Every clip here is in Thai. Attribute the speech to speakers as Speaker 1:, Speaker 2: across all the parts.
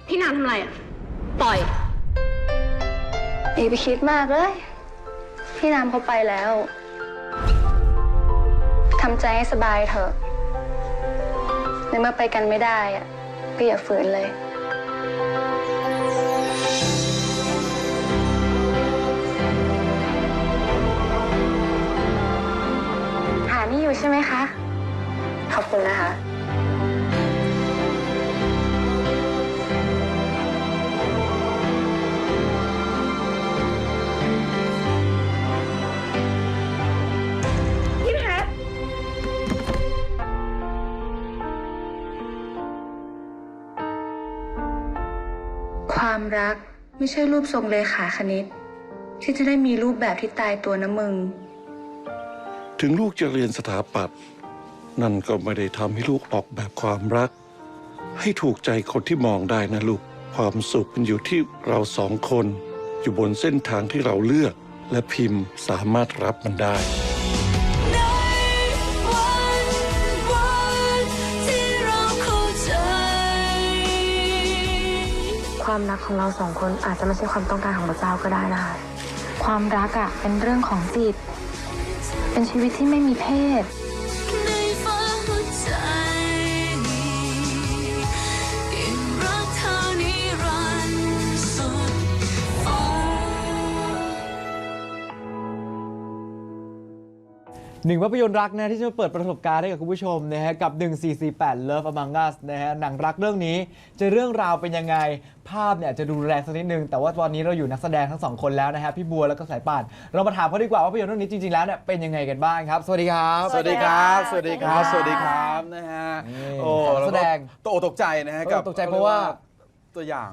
Speaker 1: พี่นางทำอะไรอ่ะปล่อย
Speaker 2: อย่าไปคิดมากเลยพี่น้ำเขาไปแล้วทำใจให้สบายเถอะในเมื่อไปกันไม่ได้อะก็อย่าฝืนเลยหานี่อยู่ใช่ไหมคะขอบคุณนะคะความรักไม่ใช่รูปทรงเลขาคณิตที่จะได้มีรูปแบบที่ตายตัวนะมึง
Speaker 3: ถึงลูกจะเรียนสถาปัตย์นั่นก็ไม่ได้ทำให้ลูกออกแบบความรักให้ถูกใจคนที่มองได้นะลูกความสุขมันอยู่ที่เราสองคนอยู่บนเส้นทางที่เราเลือกและพิมพ์สามารถรับมันได้
Speaker 2: ความรักของเราสองคนอาจจะไม่ใช่ความต้องการของพระเจ้าก็ได้นะคะความรักอะเป็นเรื่องของจิตเป็นชีวิตที่ไม่มีเพศ
Speaker 4: หนึ่งภาพยนตร์รักนะที่จะเปิดประสบการณ์ให้กับคุณผู้ชมนะฮะกับ 1448 Love Among Us นะฮะหนังรักเรื่องนี้จะเรื่องราวเป็นยังไงภาพเนี่ยจะดูแรงสักนิดนึงแต่ว่าตอนนี้เราอยู่นักแสดงทั้งสองคนแล้วนะฮะพี่บัวแล้วก็สายป่านเรามาถามเขาดีกว่าว่าภาพยนตร์เรื่องนี้จริงๆแล้วเนี่ยเป็นยังไงกันบ้างครับสวัสดีครับ
Speaker 5: สวัสดีครับสวัสดีครับสวัสดีครับนะฮะโอ้
Speaker 4: แสดง
Speaker 5: ตกอกตกใจนะฮะกับ
Speaker 4: ตกใจเพราะว่า
Speaker 5: ตัวอย่าง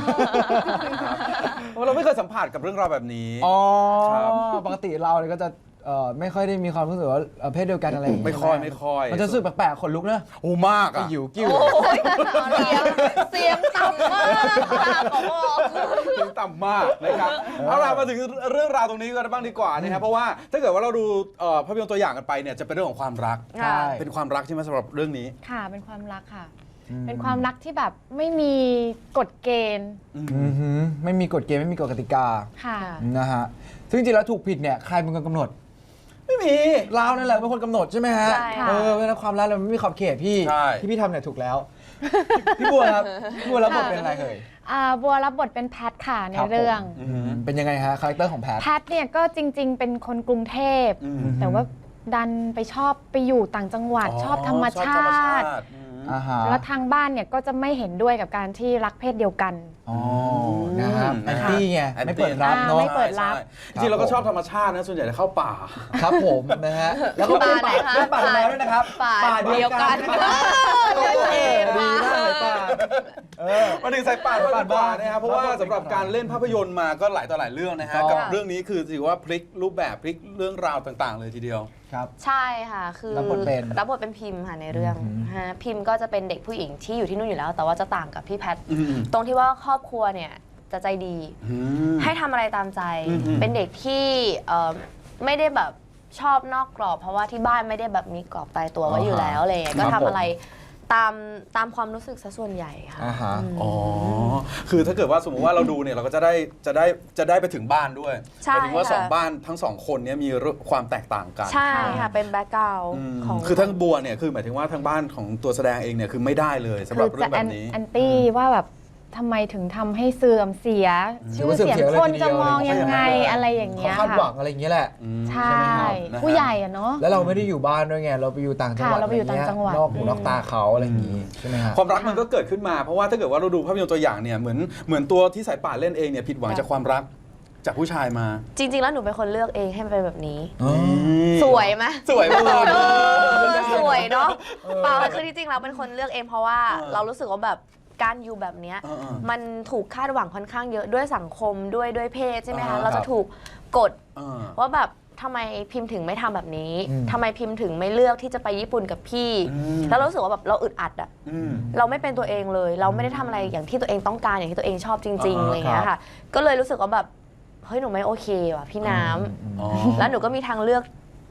Speaker 5: เพราะเราไม่เคยสัมผัสกับเรื่องราวแบบนี้
Speaker 4: อ๋อ
Speaker 5: ครับ
Speaker 4: ปกติเราเนี่ยก็จะไม่ค่อยได้มีความรู้สึกว่าเพศเดียวกันอะไรอย่างเงี้ย
Speaker 5: ไม่ค่อยไม่ค่อย
Speaker 4: มันจะรู้สึกแปลกๆขนลุกนะ
Speaker 5: โอ้มากอ่ะ
Speaker 4: หิวกิ้ว
Speaker 1: เสียงต่ำมากค่ะขอบอก
Speaker 5: ถึงต่ำมากนะครับเอาล่ะมาถึงเรื่องราวตรงนี้กันบ้างดีกว่านะครับเพราะว่าถ้าเกิดว่าเราดูภาพยนตร์ตัวอย่างกันไปเนี่ยจะเป็นเรื่องของความรัก
Speaker 4: ใช่
Speaker 5: เป็นความรักใช่ไหมสำหรับเรื่องนี้
Speaker 6: ค่ะเป็นความรักค่ะ เป็นความรักที่แบบไม่มีกฎเกณฑ์
Speaker 4: อือหือไม่มีกฎเกณฑ์ไม่มีกฎกติกา
Speaker 6: ค่ะ
Speaker 4: นะฮะซึ่งจริงๆแล้วถูกผิดเนี่ยใครเป็นคนกำหนด
Speaker 5: ไม่มี
Speaker 4: เรานั่นแหละเป็นคนกำหนดใช่ไหมฮะ
Speaker 6: ใช่ค่ะ
Speaker 4: เวลาความรักเราไม่มีขอบเขตพี่
Speaker 5: ใช่
Speaker 4: ที่พี่ทำเนี่ยถูกแล้ว พี่บัวครับพี่บัวรับบทเป็นอะไรเอ่ย
Speaker 6: บัวรับบทเป็นแพทค่ะใน
Speaker 4: ครับผม
Speaker 6: เรื่อง
Speaker 4: เป็นยังไงฮะคาแรคเตอร์ของแพท
Speaker 6: แพทเนี่ยก็จริง ๆ เป็นคนกรุงเทพ
Speaker 5: อืม
Speaker 6: แต่ว่าดันไปชอบไปอยู่ต่างจังหวัดชอบธรรมชาติ
Speaker 4: อ่าฮะ
Speaker 6: แล้วทางบ้านเนี่ยก็จะไม่เห็นด้วยกับการที่รักเพศเดียวกัน
Speaker 4: อ๋อนะครับ
Speaker 5: อืม
Speaker 4: แอนตี้ไง
Speaker 5: แอนตี้
Speaker 4: ไม่เปิดรับเนาะ
Speaker 6: ไม่เปิดรับ
Speaker 5: ใช่จริงๆเราก็ชอบธรรมชาตินะส่วนใหญ่จะเข้าป่า
Speaker 4: ครับผมนะฮะแล้วก็เป็นป่าและป่าแมวด้วยนะครับ
Speaker 1: ป่าเดียวกัน
Speaker 4: ดีมากเลยป่า
Speaker 5: มาถึงสายป่านบ้านบ้านนะครับเพราะว่าสำหรับการเล่นภาพยนตร์มาก็หลายต่อหลายเรื่องนะฮะ
Speaker 4: ถูกต้
Speaker 5: กั
Speaker 4: อง
Speaker 5: บเรื่องนี้คือถือว่าพลิกรูปแบบพลิกเรื่องราวต่างๆ เลยทีเดียว
Speaker 4: ครับ
Speaker 1: ใช่ค่ะคือ
Speaker 4: รับบทเป็น
Speaker 1: พิมพ์ค่ะในเรื่องฮะพิมพ์ก็จะเป็นเด็กผู้หญิงที่อยู่ที่นู่นอยู่แล้ว แต่ว่าจะต่างกับพี่แพท
Speaker 5: อืม
Speaker 1: ตรงที่ว่าครอบครัวเนี่ยจะใจดี ให้ทำอะไรตามใจ
Speaker 5: อืม
Speaker 1: เป็นเด็กที่ไม่ได้แบบชอบนอกกรอบ เพราะว่าที่บ้านไม่ได้แบบมีกรอบตายตัวไว้อยู่แล้วอะไรอย่างเงี้ยก็ทำอะไรตามความรู้สึกซะส่วนใหญ่ค่ะ
Speaker 4: อ่าฮะ
Speaker 5: อ๋อ คือถ้าเกิดว่าสมมติว่าเราดูเนี่ยเราก็จะได้ไปถึงบ้านด้วย
Speaker 1: ใช่
Speaker 5: หมายถึงว่า
Speaker 1: ค่ะ
Speaker 5: สองบ้านทั้งสองคนเนี้มีความแตกต่างกัน
Speaker 1: ใช่ค่ะเป็นแบ็กกราวด์
Speaker 5: อืม
Speaker 1: ของ
Speaker 5: คือทั้งบัวเนี่ยคือหมายถึงว่าทางบ้านของตัวแสดงเองเนี่ยคือไม่ได้เลยสำห
Speaker 6: คื
Speaker 5: รับ
Speaker 6: อ
Speaker 5: เรื่
Speaker 6: จะ
Speaker 5: องแบบนี้
Speaker 6: แอนตี้ว่าแบบทำไมถึงทำให้เสื่อมเสีย ชื่อเสียงคนจะมองยังไงอะไรอย่าง
Speaker 4: เขา
Speaker 6: เงี้ย
Speaker 4: คาดหวั
Speaker 6: ค่ะ
Speaker 4: งอะไรอย่างเงี้ยแหละ
Speaker 6: ใช่
Speaker 5: นะฮะ
Speaker 6: ผู้ใหญ่อะเนาะ
Speaker 4: แล้วเราไม่ได้อยู่บ้านด้วยไง เราไปอยู่ต่างจังหวัด
Speaker 6: ค่ะเราไปอยู่ต่างจังหวัด
Speaker 4: นอกหูนอกตาเขาอะไรอย่างงี้ใช่ไหมฮะ
Speaker 5: ความรักมันก็เกิดขึ้นมาเพราะว่าถ้าเกิดว่าเราดูภาพยนตร์ตัวอย่างเนี่ยเหมือนตัวที่สายป่านเล่นเองเนี่ยผิดหวังจากความรักจากผู้ชายมา
Speaker 1: จริง ๆ แล้วหนูเป็นคนเลือกเองให้มันเป็นแบบนี้
Speaker 4: อ๋อ
Speaker 1: สวยไหม
Speaker 5: สวยมาก
Speaker 1: สวยเนาะเปล่าคือที่จริงเราเป็นคนเลือกเองเพราะว่าเรารู้สึกว่าแบบการอยู่แบบเนี้ย
Speaker 5: เออ
Speaker 1: มันถูกคาดหวังค่อนข้างเยอะด้วยสังคมด้วยเพศใช่ไหม
Speaker 5: อ่า
Speaker 1: คะเราจะถูกกด
Speaker 5: เออ
Speaker 1: ว่าแบบทำไมพิมพ์ถึงไม่ทำแบบนี้
Speaker 4: อืม
Speaker 1: ทำไมพิมพ์ถึงไม่เลือกที่จะไปญี่ปุ่นกับพี่
Speaker 5: อืม
Speaker 1: แล้วเรารู้สึกว่าแบบเราอึดอัดอะ
Speaker 5: อืม
Speaker 1: เราไม่เป็นตัวเองเลย เราไม่ได้ทำอะไรอย่างที่ตัวเองต้องการอย่างที่ตัวเองชอบจริงๆ
Speaker 5: อ่า
Speaker 1: อะไรอย่างเงี้ยค่ะ ก็เลยรู้สึกว่าแบบเฮ้ยหนูไม่โอเคว่ะพี่น้ำ
Speaker 5: อ๋อ
Speaker 1: แล้วหนูก็มีทางเลือก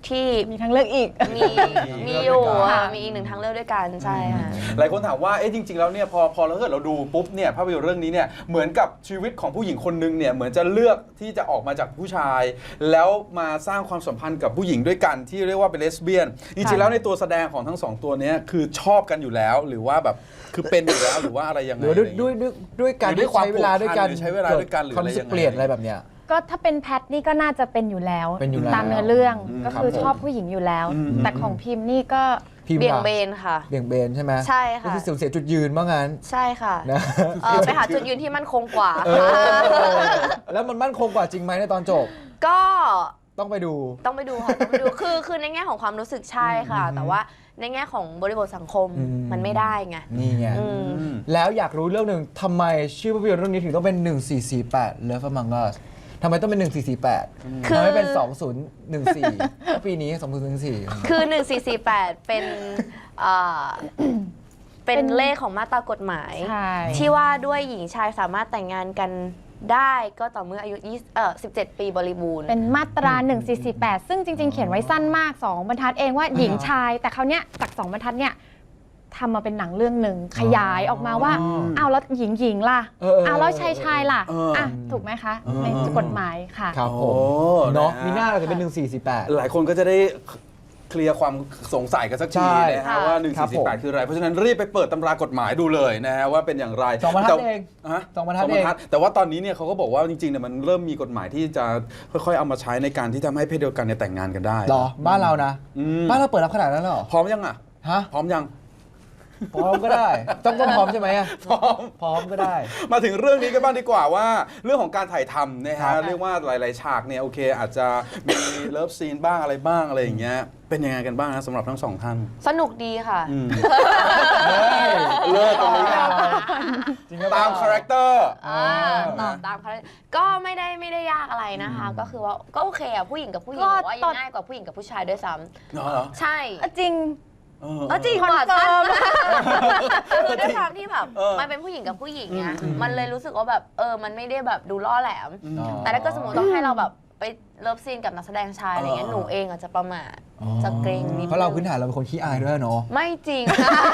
Speaker 1: ที่
Speaker 6: มีทางเลือกอีก
Speaker 1: มีอยู่มีอีกหนึ่งทางเลือกด้วยกันใช่ค่ะ
Speaker 5: หลายคนถามว่าเอ๊ะจริงๆแล้วเนี่ยพอเราเกิดเราดูปุ๊บเนี่ยภาพยนตร์เรื่องนี้เนี่ยเหมือนกับชีวิตของผู้หญิงคนนึงเนี่ยเหมือนจะเลือกที่จะออกมาจากผู้ชาย แล้วมาสร้างความสัมพันธ์กับผู้หญิงด้วยกันที่เรียกว่าเป็นเลสเบี้ยนจริงๆแล้วในตัวแสดงของทั้งสองตัวเนี้ยคือชอบกันอยู่แล้วหรือว่าแบบคือเป็นอยู่แล้วหรือว่าอะไรยัง
Speaker 4: ห
Speaker 5: ไง
Speaker 4: รือว่าด้วยการ
Speaker 5: หรือด้วยความ
Speaker 4: ใช้เวลาด้วยกัน
Speaker 5: ผูกพันหรือใช้เวลาด้วยกันหรือ
Speaker 4: ความ
Speaker 5: อะไร
Speaker 4: รู้สึ
Speaker 5: ยั
Speaker 4: ก
Speaker 5: งไง
Speaker 4: เปลี่ยนอะไรแบบเนี้ย
Speaker 6: ก็ถ้าเป็นแพทนี่ก็น่าจะเป็นอยู่แล้ว
Speaker 4: เป็นอยู่แล้ว
Speaker 6: ตามเนื้อเรื่องก็
Speaker 4: ครับ
Speaker 6: คือ
Speaker 4: ผม
Speaker 6: ชอบผู้หญิงอยู่แล้ว
Speaker 5: อืม
Speaker 6: แต่ของพิมพ์นี่ก็
Speaker 4: พิมพ์
Speaker 1: เบี่ยง
Speaker 4: ล่ะ
Speaker 1: เบนค่ะ
Speaker 4: เบี่ยงเบนใช่ไหม
Speaker 1: ใช่ค่ะ
Speaker 4: ก็คือเสียจุดยืนว่างั้น
Speaker 1: ใช่ค่ะ
Speaker 4: นะ
Speaker 1: ไปหาจุดยืนที่มั่นคงกว่า
Speaker 4: เออแล้วมันมั่นคงกว่าจริงไหมในตอนจบ
Speaker 1: ก็
Speaker 4: ต้องไปดู
Speaker 1: ต้องไปดูค่ะต้องไปดูคือในแง่ของความรู้สึกใช่ค่ะ แต่ว่าในแง่ของบริบทสังคม
Speaker 4: อืม
Speaker 1: มันไม่ได้ไง
Speaker 4: นี่ไง
Speaker 1: อืม
Speaker 4: แล้วอยากรู้เรื่องหนึ่งทำไมชื่อภาพยนตร์เรื่องนี้ถึงต้องเป็น 1448 Love Among Us ทำไมต้องเป็น 1448
Speaker 1: คือ
Speaker 4: ทำไมไม่เป็น 2014 ปีนี้ 2014
Speaker 1: คือ 1448 เป็นเป็นเลขของมาตรากฎหมาย
Speaker 6: ใช่
Speaker 1: ที่ว่าด้วยหญิงชายสามารถแต่งงานกันได้ก็ต่อเมื่ออายุ17 ปีบริบูรณ์
Speaker 6: เป็นมาตรา 1448 ซึ่งจริง ๆ เขียนไว้สั้นมาก 2 บรรทัดเองว่าหญิงชาย แต่คราวเนี้ยจาก 2 บรรทัดเนี่ยทำมาเป็นหนังเรื่องหนึ่งขยายออกมาว่าอ้าวแล้วหญิงล่ะ อ้าวแล้วชายล่ะอ่ะถูกไหมคะในกฎหมายค่ะ
Speaker 4: ครับผ
Speaker 5: โอ้
Speaker 4: มเนาะ
Speaker 5: นะฮะ
Speaker 4: มีหน้าเราจะเป็น 1448
Speaker 5: หลายคนก็จะได้เคลียร์ความสงสัยกันสัก
Speaker 4: ใช่
Speaker 5: ทีนะฮะว่า
Speaker 4: ครับผม
Speaker 5: 1448 คืออะไร เพราะฉะนั้นรีบไปเปิดตำรากฎหมายดูเลยนะฮะว่าเป็นอย่างไร
Speaker 4: สองบรรทัดเอง
Speaker 5: ฮะ
Speaker 4: สองบรรทัดเอง
Speaker 5: แต่ว่าตอนนี้เนี่ยเขาก็บอกว่าจริงๆเนี่ยมันเริ่มมีกฎหมายที่จะค่อยๆเอามาใช้ในการที่ทำให้เพศเดียวกันเนี่ยแต่งงานกันได้
Speaker 4: เหรอ บ้านเรานะ
Speaker 5: อืม
Speaker 4: บ้านเราเปิดรับขนาดนั้นเหรอ
Speaker 5: พร้อมยังอ่ะ
Speaker 4: ฮะ
Speaker 5: พร้อมยัง
Speaker 4: พร้อมก็ได้ ต้องพร้อมใช่ไหมอะ
Speaker 5: พร้อม
Speaker 4: พร้อมก็ได้
Speaker 5: มาถึงเรื่องนี้กันบ้างดีกว่าว่าเรื่องของการถ่ายทำนะ
Speaker 4: ครั
Speaker 5: ฮะ
Speaker 4: บ
Speaker 5: เรียกว่าหลายๆฉากเนี่ยโอเค อาจจะมีเลิฟซีนบ้างอะไรบ้างอะไรอย่างเงี้ยเป็นยังไงกันบ้างนะสำหรับทั้งสองท่าน
Speaker 1: สนุกดีค่ะ
Speaker 5: เลิศตรงนี้นะ
Speaker 4: จริงหรือเป
Speaker 5: ตา
Speaker 4: ล่
Speaker 5: มคาแรคเตอร์
Speaker 1: ตอบตามเขาก็ไม่ได้ยากอะไรนะคะ ก็คือว่าก็โอเคอะผู้หญิงกับผู้หญิง
Speaker 6: ก็
Speaker 1: บอกว่ายังง่ายกว่าผู้หญิงกับผู้ชายด้วยซ้
Speaker 5: เหรอ
Speaker 1: ำใช่
Speaker 6: จริง
Speaker 1: จริง
Speaker 6: คอน
Speaker 1: ว่ะ
Speaker 6: เฟิร์ม
Speaker 1: คือด้วยความที่แบบ
Speaker 5: เออ
Speaker 1: มันเป็นผู้หญิงกับผู้หญิงไง
Speaker 5: อืม
Speaker 1: มันเลยรู้สึกว่าแบบมันไม่ได้แบบดูล่อแหลม
Speaker 4: อ๋อ
Speaker 1: แต่ถ้าเกิดสมมติต้องให้เราแบบไปเลิฟซีนกับนักแสดงชายอะไรเงี้ยหนูเองอาจจะประมาทจะเกรงนิดนึง
Speaker 4: เพราะเราพื้นฐานเราเป็นคนขี้อายด้วยเนาะ
Speaker 1: ไม่จริง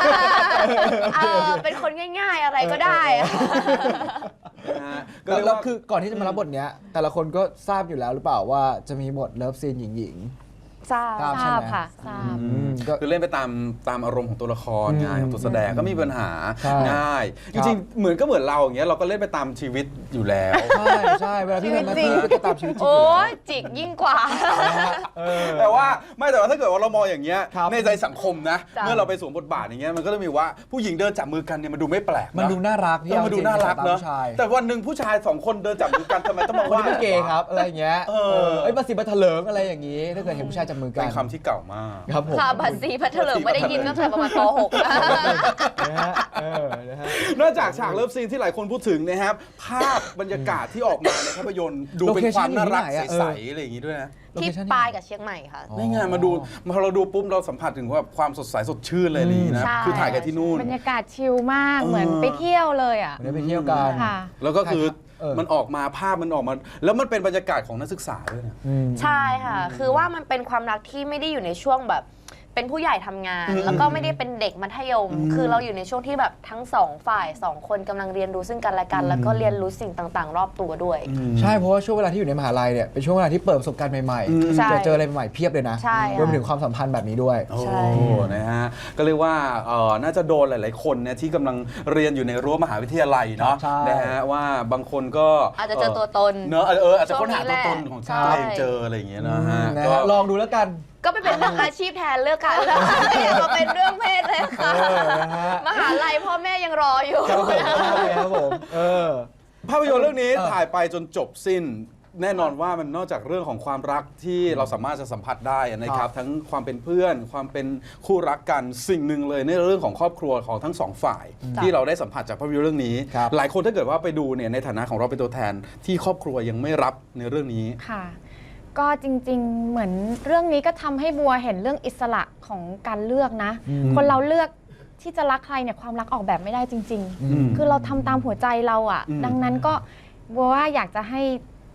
Speaker 1: เป็นคนง่าย ๆอะไรก็ได้อะ
Speaker 5: นะฮะก็
Speaker 4: แล้ว
Speaker 5: เรียก
Speaker 4: แล้ว
Speaker 5: ว่า
Speaker 4: คือก่อนที่จะมารับบทเนี้ย แต่ละคนก็ทราบอยู่แล้วหรือเปล่าว่าจะมีบทเลิฟซีนหญิง
Speaker 1: ทราบ
Speaker 4: ทราบ
Speaker 6: ทราบค่ะทราบ
Speaker 4: ๆก็
Speaker 5: คือเล่นไปตามอารมณ์ของตัวละครไงของตัวแสดงก็ไมมีปัญหา
Speaker 4: ใช่
Speaker 5: ง่าย
Speaker 4: ค
Speaker 5: จ
Speaker 4: รับ
Speaker 5: ริงๆเหมือนก็เหมือนเราอย่างเงี้ยเราก็เล่นไปตามชีวิตอยู่แล้ว
Speaker 4: ใช่ใช่เวลาพี่ทำหน้าที่ก็จะตามชีวิตจริง
Speaker 1: โอ้ยจิกยิ่งกว่า
Speaker 5: แต่ว่าถ้าเกิดว่าเรามองอย่างเงี้ย
Speaker 4: ครับ
Speaker 5: ในใจสังคมนะ
Speaker 1: จ้ะ
Speaker 5: เมื่อเราไปสวมบทบาทอย่างเงี้ยมันก็จะมีว่าผู้หญิงเดินจับมือกันเนี่ยมันดูไม่แปลกะ
Speaker 4: มันดูน่ารักพี่
Speaker 5: มันดูน่ารัก
Speaker 4: ตม
Speaker 5: เนอะ
Speaker 4: ผู้ชาย
Speaker 5: แต่วันหนึ่งผู้ชาย2 คนเดินจับมือกันทำไมต้องมา
Speaker 4: คน
Speaker 5: ว่า
Speaker 4: นี้เป็นเกย์ครับอะไรอย่างเงี้ย
Speaker 5: เออ
Speaker 4: เอ้ยมาสิมาเถลิงอะไรอย่างงี้ ถ้าเกิดเห็นผู้ชายจับมือกั
Speaker 5: เป็น นคำที่เก่ามาก
Speaker 4: ครับผม
Speaker 1: ค่ะบัตรสีพัทเลิงไม่ได้ยินตั้งแต่ประมาณป .6
Speaker 4: นะฮะนะฮะ
Speaker 5: นอกจากฉากเลิฟซีนที่หลายคนพูดถึงนะครับภาพบรรยากาศที่ออกมาในภาพยนตร์ดูเป็นความน่ารัก
Speaker 4: โลเคชั่นอยู่ที่ไหนอะ
Speaker 5: ใสๆอะไรอย่างงี้ด้วยนะ
Speaker 1: ที่
Speaker 4: Location
Speaker 1: ปลายกับเชียงใหม่ค่ะ
Speaker 4: อ๋อ
Speaker 5: นี่ไงมาดูพอเราดูปุ๊บเราสัมผัสถึงว่าความสดใสสดชื่นเลยนี่นะ
Speaker 1: ใช่
Speaker 5: คือถ่ายกันที่นู่น
Speaker 6: บรรยากาศชิลมากเหมือนไปเที่ยวเลยอ่ะ
Speaker 4: ได้ไปเที่ยวกัน
Speaker 6: ค่ะ
Speaker 5: แล้วก็คือ
Speaker 4: เออ
Speaker 5: มันออกมาภาพมันออกมา แล้วมันเป็นบรรยากาศของนักศึกษาด้วยนะ
Speaker 4: อืม
Speaker 1: ใช่ค่ะ คือว่ามันเป็นความรักที่ไม่ได้อยู่ในช่วงแบบเป็นผู้ใหญ่ทำงาน แล้วก็ไม่ได้เป็นเด็กมัธยม คือเราอยู่ในช่วงที่แบบทั้งสองฝ่ายสองคนกำลังเรียนรู้ซึ่งกันและกัน แล้วก็เรียนรู้สิ่งต่างๆ รอบตัวด้วย
Speaker 4: ใช่เพราะว่าช่วงเวลาที่อยู่ในมหาลัยเนี่ยเป็นช่วงเวลาที่เปิดประสบการณ์ใหม่
Speaker 1: ใช่
Speaker 4: ๆเจออะไรใหม่ๆเพียบเลยนะ
Speaker 1: ใช่ค่ะ
Speaker 4: รวมถึงความสัมพันธ์แบบนี้ด้วย
Speaker 5: โอ้
Speaker 1: ใช่
Speaker 5: นะฮะ ก็เรียกว่าน่าจะโดนหลาย ๆ คนเนี่ยที่กำลังเรียนอยู่ในรั้วมหาวิทยาลัยเนาะ
Speaker 4: ใช่
Speaker 5: นะฮะว่าบางคนก็
Speaker 1: อาจจะเจอตัวตน
Speaker 5: เนอะอาจจะค้นหาตัวตนของ
Speaker 1: ใช่
Speaker 5: ตัวเองเจออะไรอย่างเงี้ยนะฮะ
Speaker 4: นะ
Speaker 5: ก็
Speaker 4: ฮะลองดูแล้วกัน
Speaker 1: ก็ไปเป็นเรื่องอาชีพแทนเลือกกันแล้วอย่ามาเป็นเรื่องเพศเลยค่ะ
Speaker 4: นะฮะ
Speaker 1: มหาลัยพ่อแม่ยังรออยู่
Speaker 4: ครับผมใช่ครับผม
Speaker 5: ภาพยนตร์เรื่องนี้
Speaker 4: เออ
Speaker 5: ถ่ายไปจนจบสิ้น แน่นอนว่ามันนอกจากเรื่องของความรักที่เราสามารถจะสัมผัสได้นะครับ ทั้งความเป็นเพื่อนความเป็นคู่รักกันสิ่งหนึ่งเลยในเรื่องของครอบครัวของทั้งสองฝ่าย ที่เราได้สัมผัสจากภาพยนตร์เรื่องนี้
Speaker 4: ครับ
Speaker 5: หลายคนถ้าเกิดว่าไปดูเนี่ยในฐานะของเราเป็นตัวแทนที่ครอบครัวยังไม่รับในเรื่องนี้
Speaker 6: ค่ะ ก็จริงๆ เหมือนเรื่องนี้ก็ทำให้บัวเห็นเรื่องอิสระของการเลือกนะ คนเราเลือกที่จะรักใครเนี่ยความรักออกแบบไม่ได้จริง
Speaker 5: อืม
Speaker 6: ๆ คือเราทำตามหัวใจเราอ่ะ
Speaker 5: อืม
Speaker 6: ดังนั้นก็บัวว่าอยากจะให้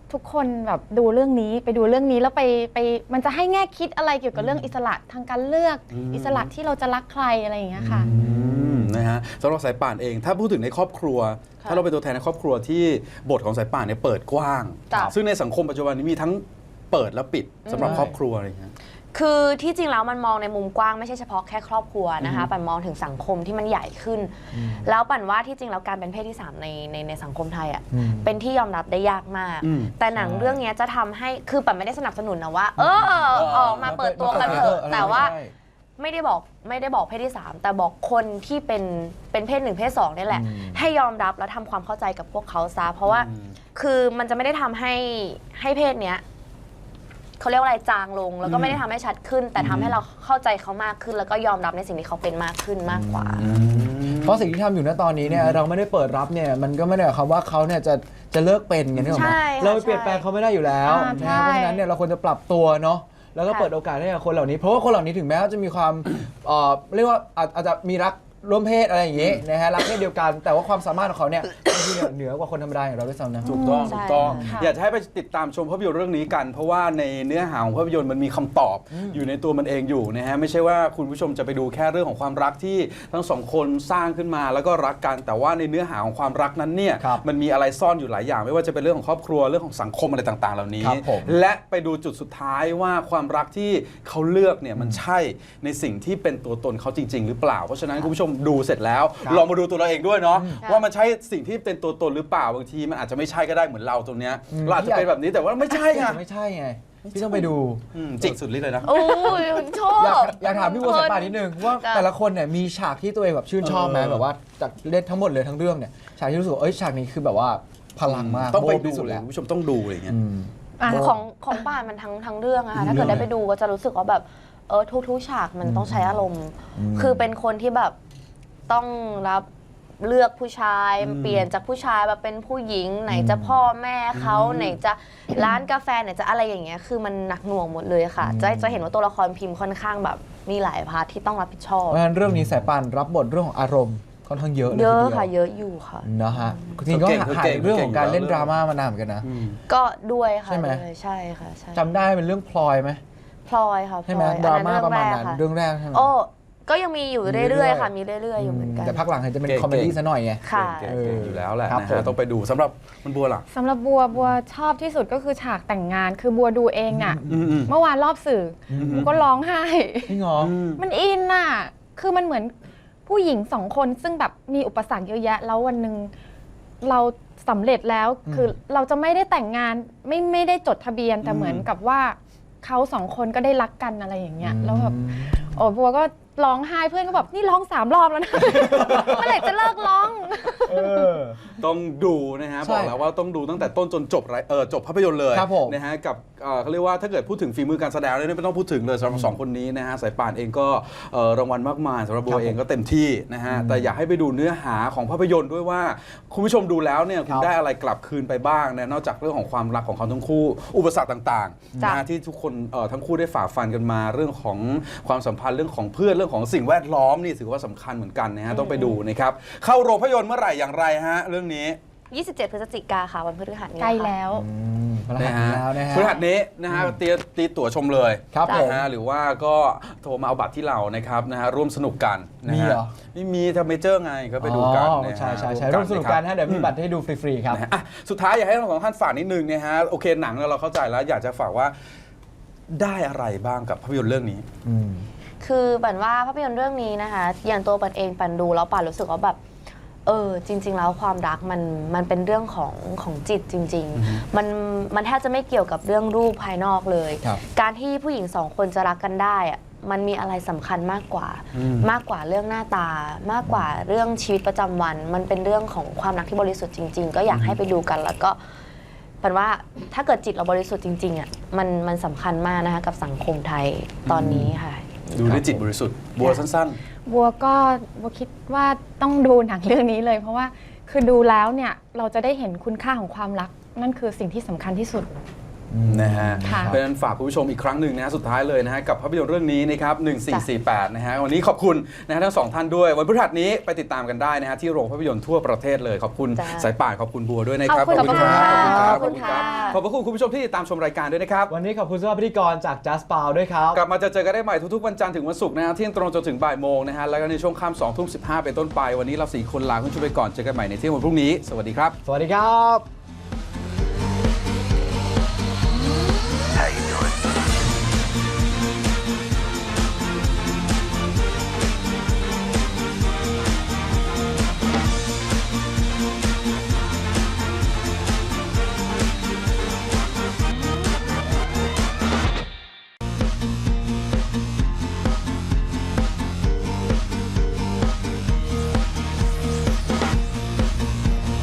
Speaker 6: ทุกคนแบบดูเรื่องนี้ไปดูเรื่องนี้แล้วไปมันจะให้แง่คิดอะไรเกี่ยวกับเรื่องอิสระทางการเลือกอิสระที่เราจะรักใครอะไรอย่างเงี้ยค่ะ
Speaker 5: นะฮะสำหรับสายป่านเอง ถ้าพูดถึงในครอบครัว ถ้าเราเป็นตัวแทนในครอบครัวที่บทของสายป่านเนี่ยเปิดกว้าง
Speaker 1: จ้ะ
Speaker 5: ซึ่งในสังคมปัจจุบันนี้มีทั้งเปิดและปิดสำหรับครอบครัวอะไรอย่างเงี้ย
Speaker 1: คือที่จริงแล้วมันมองในมุมกว้างไม่ใช่เฉพาะแค่ครอบครัวนะคะปั่นมองถึงสังคมที่มันใหญ่ขึ้น แล้วปั่นว่าที่จริงแล้วการเป็นเพศที่ 3 ในสังคมไทยอ่ะเป็นที่ยอมรับได้ยากมาก แต่หนังเรื่องนี้จะทำให้คือปั่นไม่ได้สนับสนุนนะว่าออกมาเปิดตัวกันเถอะแต่ว่าไม่ได้บอกเพศที่ 3 แต่บอกคนที่เป็นเพศ 1 เพศ 2นี่แหละให้ยอมรับแล้วทำความเข้าใจกับพวกเขาซะเพราะว่าคือมันจะไม่ได้ทำให้เพศเนี้ยเขาเรียกว่าอะไรจางลงแล้วก็ไม่ได้ทำให้ชัดขึ้น แต่ทำให้เราเข้าใจเขามากขึ้น แล้วก็ยอมรับในสิ่งที่เขาเป็นมากขึ้นมากกว่า
Speaker 4: เพราะสิ่งที่ทำอยู่ณตอนนี้เนี่ยเราไม่ได้เปิดรับเนี่ยมันก็ไม่ได้หมายความว่าเขาเนี่ยจะเลิกเป็นไงนึกออกไหม
Speaker 1: ใช่ค่ะ
Speaker 4: เราไปเปลี่ยนแปลงเขาไม่ได้อยู่แล้ว
Speaker 6: ใช่
Speaker 4: นะเพราะฉะนั้นเนี่ยเราควรจะปรับตัวเนาะแล้วก็เปิดโอกาสให้กับคนเหล่านี้เพราะว่าคนเหล่านี้ถึงแม้ว่าจะมีความเรียกว่าอาจจะมีรักร่วมเพศอะไรอย่างงี้นะฮะรักเพศเดียวกันแต่ว่าความสามารถของเขาเนี่ยบางทีเนี่ยเหนือกว่าคนธรรมดาอย่างเราด้วยซ้ำนะ
Speaker 5: ถูกต้อง
Speaker 1: ใช่
Speaker 5: ถูกต้อง
Speaker 6: ค่ะ
Speaker 5: อยากจะให้ไปติดตามชมภาพยนตร์เรื่องนี้กัน เพราะว่าในเนื้อหาของภาพยนตร์มันมีคำตอบอยู่ในตัวมันเองอยู่นะฮะไม่ใช่ว่าคุณผู้ชมจะไปดูแค่เรื่องของความรักที่ทั้งสองคนสร้างขึ้นมาแล้วก็รักกันแต่ว่าในเนื้อหาของความรักนั้นเนี่ย
Speaker 4: ครับ
Speaker 5: มันมีอะไรซ่อนอยู่หลายอย่าง ไม่ว่าจะเป็นเรื่องของครอบครัวเรื่องของสังคมอะไรต่างๆ เหล่านี้
Speaker 4: ครับผม
Speaker 5: และไปดูจุดสุดท้ายว่าความรักที่เขาเลือกเนี่ยมันใช่ในสิ่งที่เป็นตัวตนเขาจริง ๆ หรือเปล่าเพราะฉะนั้นคุณผู้ชมดูเสร็จแล้ว
Speaker 4: ครับ
Speaker 5: ลองมาดูตัวเราเองด้วยเนาะ
Speaker 1: ค่ะ
Speaker 5: ว่ามันใช่สิ่งที่เป็นตัวตนหรือเปล่าบางทีมันอาจจะไม่ใช่ก็ได้เหมือนเราตรงเนี้ยเราอาจจะเป็นแบบนี้แต่ว่าไม่ใช่ไง
Speaker 4: ไม่ใช่ไงพี่ต้องไปดู
Speaker 5: จริงสุดฤทธิ์เลยนะ
Speaker 1: โอ้ยชอบ
Speaker 4: อยากถามพี่บัวสายป่านนิดนึงว่า
Speaker 1: จ้ะ
Speaker 4: แต่ละคนเนี่ยมีฉากที่ตัวเองแบบชื่นชอบไหมแบบว่าจากเล่นทั้งหมดเลยทั้งเรื่องเนี่ยฉากที่รู้สึกว่าฉากนี้คือแบบว่าพลังมาก
Speaker 5: ต้องไป
Speaker 4: โบ๊ะ
Speaker 5: ดู
Speaker 4: ที่สุด
Speaker 5: เลย
Speaker 4: แล้ว
Speaker 5: คุณผู้ชมต้องดูอะไรอย่างเงี้ย
Speaker 6: อ่ะ
Speaker 1: ของป่านมันทั้งเรื่องอะค่ะถ้าเกิดได้ไปดูก็จะรู้สึกว่าแบบทุกฉากมันต้องใช้อารมณ์ คือเป็นคนที่แบบต้องรับเลือกผู้ชายเปลี่ยนจากผู้ชายมาเป็นผู้หญิงไหนจะพ่อแม่เขาไหนจะร้านกาแฟไหนจะอะไรอย่างเงี้ยคือมันหนักหน่วงหมดเลยค่ะจะเห็นว่าตัวละครพิมพ์ค่อนข้างแบบมีหลายพาร์ทที่ต้องรับผิดชอบ
Speaker 4: เพราะฉะนั้นเรื่องนี้สายป่านรับบทเรื่องของอารมณ์ค่อนข้างเยอะเลย
Speaker 1: เยอะ
Speaker 4: ทีดีว
Speaker 1: ค่ะเยอะอยู่ค่ะ
Speaker 4: นะฮะจริงๆก็
Speaker 5: เก่ง
Speaker 4: หายเรื่องของการเล่น
Speaker 5: เก่ง
Speaker 4: ดราม่ามานานเหมือนกันนะ
Speaker 1: ก็ด้วยค่ะ
Speaker 4: ใช่ไหม
Speaker 1: ด้วยใช่ค่ะใช่
Speaker 4: จำได้เป็นเรื่องพลอยไหม
Speaker 1: พลอยค่ะพ
Speaker 4: ใช่
Speaker 1: ล
Speaker 4: ไหม
Speaker 1: อย
Speaker 4: ดราม่า
Speaker 1: อั
Speaker 4: ประมาณนั้น
Speaker 1: ค่ะ
Speaker 4: เรื่องแรกใช่ไหม
Speaker 1: โอ้ก็ยังมีอยู่
Speaker 4: มีเรื่
Speaker 1: เรื่
Speaker 4: อ
Speaker 1: อย ยๆค่ะมีเรื่อยๆอยู่เหมือนกัน
Speaker 4: แต่ภาคหลังเห็นจะเป็น
Speaker 5: เก่ง
Speaker 4: คอมเมดี้ซะหน่อยไง
Speaker 1: ค่ะ
Speaker 5: เก่งๆอยู่แล้วแหละ
Speaker 4: ครับ
Speaker 5: นะ
Speaker 4: ผม
Speaker 5: ฮะต้องไปดูสำหรับมันบัวล่ะ
Speaker 6: สำหรับบัวชอบที่สุดก็คือฉากแต่งงานคือบัวดูเองน่ะเมื่อวานรอบสื่อบัวก็ร้องไห้
Speaker 4: พี่งอ
Speaker 6: มันอินน่ะ คือมันเหมือนผู้หญิงสองคนซึ่งแบบมีอุปสรรคเยอะแยะ แล้ววันหนึ่งเราสำเร็จแล้ว คือเราจะไม่ได้แต่งงานไม่ได้จดทะเบียน แต่เหมือนกับว่าเขาสองคนก็ได้รักกันอะไรอย่างเงี้ย แล้วแบบโอ้บัวก็ร้องไห้เพื่อนก็แบบนี่ร้อง3 รอบแล้วนะ เมื่อไหร่จะเลิกร้อง
Speaker 5: ต้องดูนะฮะ
Speaker 4: ใช่
Speaker 5: บอกแล้วว่าต้องดูตั้งแต่ต้นจนจบจบภาพยนตร์เลย
Speaker 4: ครับผม
Speaker 5: นะฮะกับเขาเรียกว่าถ้าเกิดพูดถึงฝีมือการแสดงเนี่ยไม่ต้องพูดถึงเลยสำหรับสองคนนี้นะฮะสายป่านเองก็รางวัลมากมายสำหรับบัวเองก็เต็มที่นะฮะแต่อยากให้ไปดูเนื้อหาของภาพยนตร์ด้วยว่าคุณผู้ชมดูแล้วเนี่ยคุณได้อะไรกลับคืนไปบ้างนะนอกจากเรื่องของความรักของเขาทั้งคู่ อุปสรรคต่างๆ
Speaker 1: จ้ะ
Speaker 5: นะฮะที่ทุกคนทั้งคู่ได้ฝ่าฟันกันมาเรื่องของความสัมพันธ์เรื่องของเพื่อนเรื่องของสิ่งแวดล้อมนี่ถือว่าสำคัญเหมือนกันนะฮะต้องไปดูนะครับเข้าโรงภาพยนตร์เมื่อไหร่อย่างไรฮะเรื่องนี้
Speaker 1: 27 พฤศจิกาค่ะวันพฤหัสนี้
Speaker 6: ใกล้
Speaker 1: ค่ะ
Speaker 6: แล้ว
Speaker 4: พลังงานแล้วนะฮะ
Speaker 5: พฤหัสนี้นะฮะตีตั๋วชมเลย
Speaker 4: ครับผม
Speaker 5: นะฮะหรือว่าก็โทรมาเอาบัตรที่เรานะครับนะฮะร่วมสนุกกันนะ
Speaker 4: มี
Speaker 5: ฮะ
Speaker 4: เหรอ
Speaker 5: ไม่มีทำเมเจอร์ไงก็ไปดูกัน
Speaker 4: อ๋อ
Speaker 5: นะฮะ
Speaker 4: ใช่ร่วมสนุกกันฮะเดี๋ยวมีบัตรให้ดูฟรีๆครับ
Speaker 5: นะฮะอ่ะสุดท้ายอยากให้ทั้งสองท่านฝากนิดนึงนะฮะโอเคหนังเราเข้าใจแล้วอยากจะฝากว่าได้อะไรบ้างกับภาพยนตร์เรื่องนี้
Speaker 1: คือปันว่าภาพยนตร์เรื่องนี้นะคะอย่างตัวปันเองปันดูแล้วปันรู้สึกว่าแบบจริง ๆ แล้วความรักมันเป็นเรื่องของจิตจริง ๆ มันแทบจะไม่เกี่ยวกับเรื่องรูปภายนอกเลย
Speaker 4: ครับ
Speaker 1: การที่ผู้หญิงสองคนจะรักกันได้อะมันมีอะไรสำคัญมากกว่า มากกว่าเรื่องหน้าตามากกว่าเรื่องชีวิตประจำวัน มันเป็นเรื่องของความรักที่บริสุทธิ์จริง ๆ ก็อยากให้ไปดูกันแล้วก็ปันว่าถ้าเกิดจิตเราบริสุทธิ์จริงๆอ่ะมันสำคัญมากนะคะกับสังคมไทยตอนนี้ค่ะ
Speaker 5: ดูด้วยจิตบริสุทธิ์บัวสั้น
Speaker 6: บัวคิดว่าต้องดูหนังเรื่องนี้เลย เพราะว่าคือดูแล้วเนี่ยเราจะได้เห็นคุณค่าของความรัก นั่นคือสิ่งที่สำคัญที่สุด
Speaker 5: นะฮะ
Speaker 6: ค่ะ
Speaker 5: เพราะฉะนั้นฝากคุณผู้ชมอีกครั้งหนึ่งนะฮะสุดท้ายเลยนะฮะกับภาพยนตร์เรื่องนี้นะครับ1448นะฮะวันนี้ขอบคุณนะฮะทั้งสองท่านด้วยวันพฤหัสนี้ไปติดตามกันได้นะฮะที่โรงภาพยนตร์ทั่วประเทศเลยขอบคุณ
Speaker 1: จ้ะ
Speaker 5: สายป่านขอบคุณบัวด้วยนะครับ
Speaker 6: ขอบคุณค่ะ
Speaker 5: ขอบคุณครับขอบพระคุณคุณผู้ชมที่ติดตามชมรายการด้วยนะครับ
Speaker 4: วันนี้ขอบคุณสำหรับพิธีกรจาก Just Pow ด้วยครับ
Speaker 5: กลับมาเจอกันได้ใหม่ทุกๆวันจันทร์ถึงวันศุกร์นะฮะเที่ยงตรงจนถึงบ่ายโมงนะฮะแล้วก็ในช่วงค่ำ2 ทุ่ม 15เป็นต้นไปวันนี้เรา4 คนลาคุณผู้ชมไปก่อนเจอกันใหม่ในเที่ยงวันพรุ่งนี้สวัสดีครับ
Speaker 4: สวัสดีครับ